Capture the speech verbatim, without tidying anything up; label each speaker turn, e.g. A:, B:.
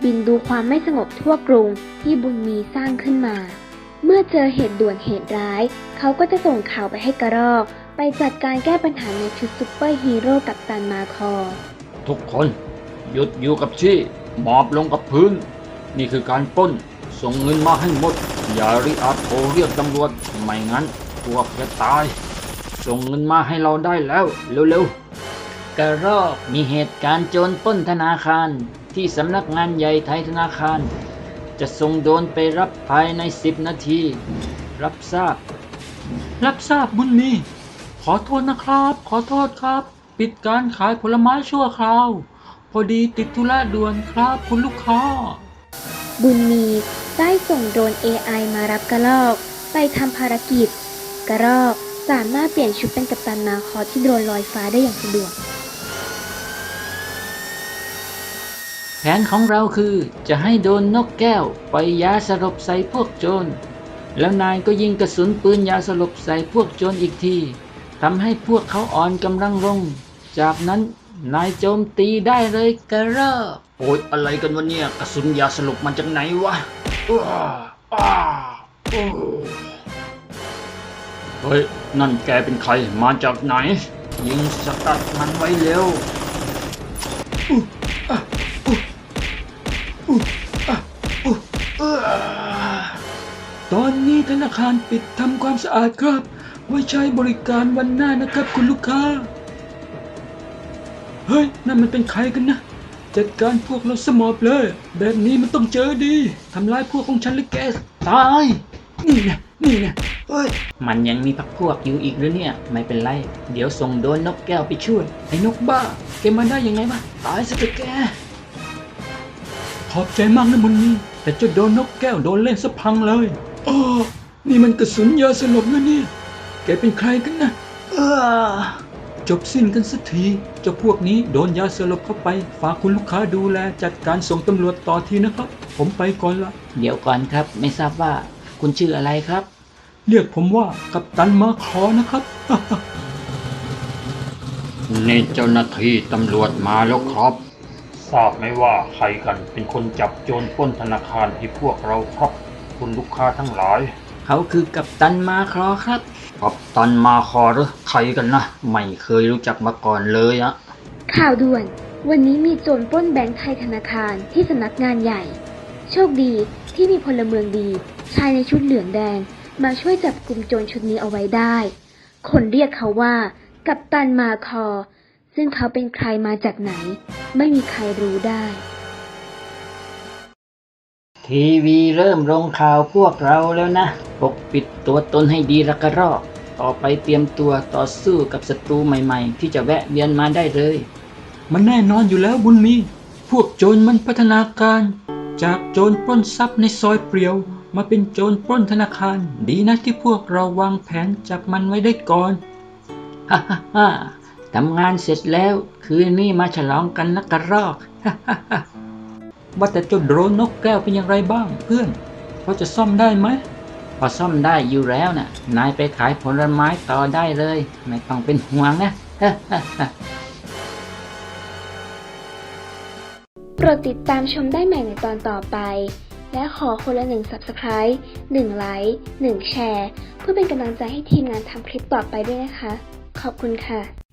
A: บินดูความไม่สงบทั่วกรุงที่บุญมีสร้างขึ้นมาเมื่อเจอเหตุด่วนเหตุร้ายเขาก็จะส่งข่าวไปให้กระรอกไปจัดการแก้ปัญหาในชุดซุปเปอร์ฮีโร่กัปตันมาคอ
B: ทุกคนหยุดอยู่กับที่หมอบลงกับพื้นนี่คือการปล้นส่งเงินมาให้หมดอย่าริอาโทรเรียกตำรวจไม่งั้นพวกจะตายส่งเงินมาให้เราได้แล้วเร็วๆกระรอกมีเหตุการณ์โจรปล้นธนาคารที่สำนักงานใหญ่ไทยธนาคารจะส่งโดรนไปรับภายในสิบนาทีรับทราบรับทราบบุญมีขอโทษนะครับขอโทษครับปิดการขายผลไม้ชั่วคราวพอดีติดธุระด่วนครับคุณลูกค้า
A: บุญมีได้ส่งโดรน เอ ไอ มารับกระรอกไปทำภารกิจกระรอกสามารถเปลี่ยนชุดเป็นกัปตันมาคอที่โดรนลอยฟ้าได้อย่างสะดวก
B: แผนของเราคือจะให้โดนนกแก้วปล่อยยาสลบใส่พวกโจรแล้วนายก็ยิงกระสุนปืนยาสลบใส่พวกโจรอีกทีทำให้พวกเขาอ่อนกำลังลงจากนั้นนายโจมตีได้เลยกระรอกโอ๊ยอะไรกันวะเนี่ยกระสุนยาสลบมาจากไหนวะอ้าอ้าเฮ้ยนั่นแกเป็นใครมาจากไหนยิงสกัดมันไว้เร็วตอนนี้ธนาคารปิดทำความสะอาดครับไว้ใช้บริการวันหน้านะครับคุณลูกค้าเฮ้ยนั่นมันเป็นใครกันนะจัดการพวกเราสมอบเลยแบบนี้มันต้องเจอดีทำลายพวกของฉันหรือแกตายนี่นะนี่นะเฮ้ยมันยังมีพรรคพวกอยู่อีกหรือเนี่ยไม่เป็นไรเดี๋ยวส่งโดนนกแก้วไปช่วยไอ้นกบ้าแกมาได้ยังไงวะตายซะเถอะแกขอบใจมากนะบุญมีแต่เจ้าโดนนกแก้วโดนเล่นซะพังเลยอ๋อนี่มันกระสุนยาสลบนะเนี่ยแกเป็นใครกันนะเออจบสิ้นกันสักทีเจ้าพวกนี้โดนยาสลบเข้าไปฝากคุณลูกค้าดูแลจัดการส่งตำรวจต่อทีนะครับผมไปก่อนละเดี๋ยวก่อนครับไม่ทราบว่าคุณชื่ออะไรครับเรียกผมว่ากัปตันมาคอนะครับ นี่เจ้าหน้าที่ตำรวจมาแล้วครับทราบไหมว่าใครกันเป็นคนจับโจรปล้นธนาคารให้พวกเราครับคุณลูกค้าทั้งหลายเขาคือกัปตันมาคอครับกัปตันมาคอหรือใครกันนะไม่เคยรู้จักมาก่อนเลยอะ
A: ข่าวด่วนวันนี้มีโจรปล้นแบงก์ไทยธนาคารที่สำนักงานใหญ่โชคดีที่มีพลเมืองดีชายในชุดเหลืองแดงมาช่วยจับกลุ่มโจรชุดนี้เอาไว้ได้คนเรียกเขาว่ากัปตันมาคอซึ่งเขาเป็นใครมาจากไหนไม่มีใครรู้ได้
B: ทีวีเริ่มลงข่าวพวกเราแล้วนะปกปิดตัวตนให้ดีละกระรอกต่อไปเตรียมตัวต่อสู้กับศัตรูใหม่ๆที่จะแวะเวียนมาได้เลยมันแน่นอนอยู่แล้วบุญมีพวกโจรมันพัฒนาการจากโจรปล้นทรัพย์ในซอยเปลี่ยวมาเป็นโจรปล้นธนาคารดีนะที่พวกเราวางแผนจับมันไว้ได้ก่อนฮ่าฮ่าฮ่าทำงานเสร็จแล้วคืนนี้มาฉลองกันนะกระรอกฮ่าฮ่าฮ่าว่าแต่เจ้าโดรนนกแก้วเป็นอย่างไรบ้างเพื่อนพอจะซ่อมได้ไหมพอซ่อมได้อยู่แล้วนะ่ะนายไปขายผลไม้ต่อได้เลยไม่ต้องเป็นห่วงนะฮ่าฮ่าฮ่า
A: โปรดติดตามชมได้ใหม่ในตอนต่อไปและขอคนละหนึ่ง ซับสไครบ์ หนึ่ง ไลค์ หนึ่ง แชร์เพื่อเป็นกำลังใจให้ทีมงานทำคลิปต่อไปด้วยนะคะขอบคุณค่ะ